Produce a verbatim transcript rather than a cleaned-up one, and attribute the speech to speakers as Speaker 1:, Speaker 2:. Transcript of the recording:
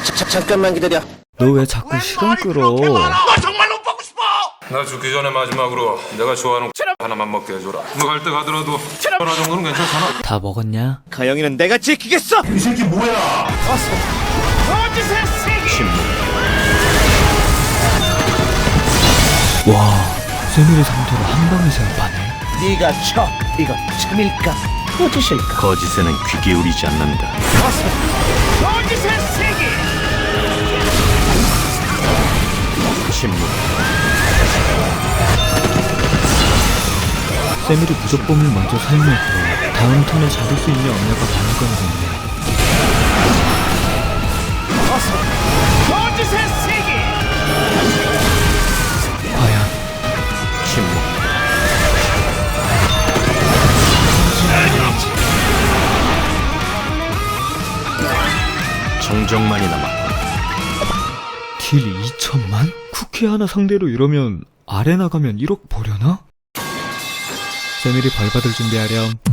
Speaker 1: 자, 잠깐만 기다려.
Speaker 2: 너 왜 자꾸 시간 끌어?
Speaker 3: 너 정말 못 보고 싶어.
Speaker 4: 나 죽기 전에 마지막으로 내가 좋아하는 하나만 먹게 해줘라. 너 갈 때 가더라도 하나 정도는 괜찮잖아.
Speaker 2: 다 먹었냐?
Speaker 1: 가영이는 내가 지키겠어.
Speaker 3: 이 새끼 뭐야?
Speaker 5: 거짓의 세계.
Speaker 2: 와, 세미의 상태로 한 방에 제압하네.
Speaker 1: 네가 쳐. 이거 참일까? 거짓일까?
Speaker 3: 거짓에는 귀 기울이지 않는다.
Speaker 5: 거짓의 세계.
Speaker 3: 침묵.
Speaker 2: 세미를 무적범을 먼저 사용해서 다음 턴에 잡을 수 있냐 없냐가 관건이겠네.
Speaker 5: 거짓의 세계.
Speaker 2: 과연
Speaker 3: 침묵. 정적만이 남았다.
Speaker 2: 딜 이천만? 쿠키 하나 상대로 이러면 아레나 가면 일억 버려나? 세미를 벌받을 준비하렴.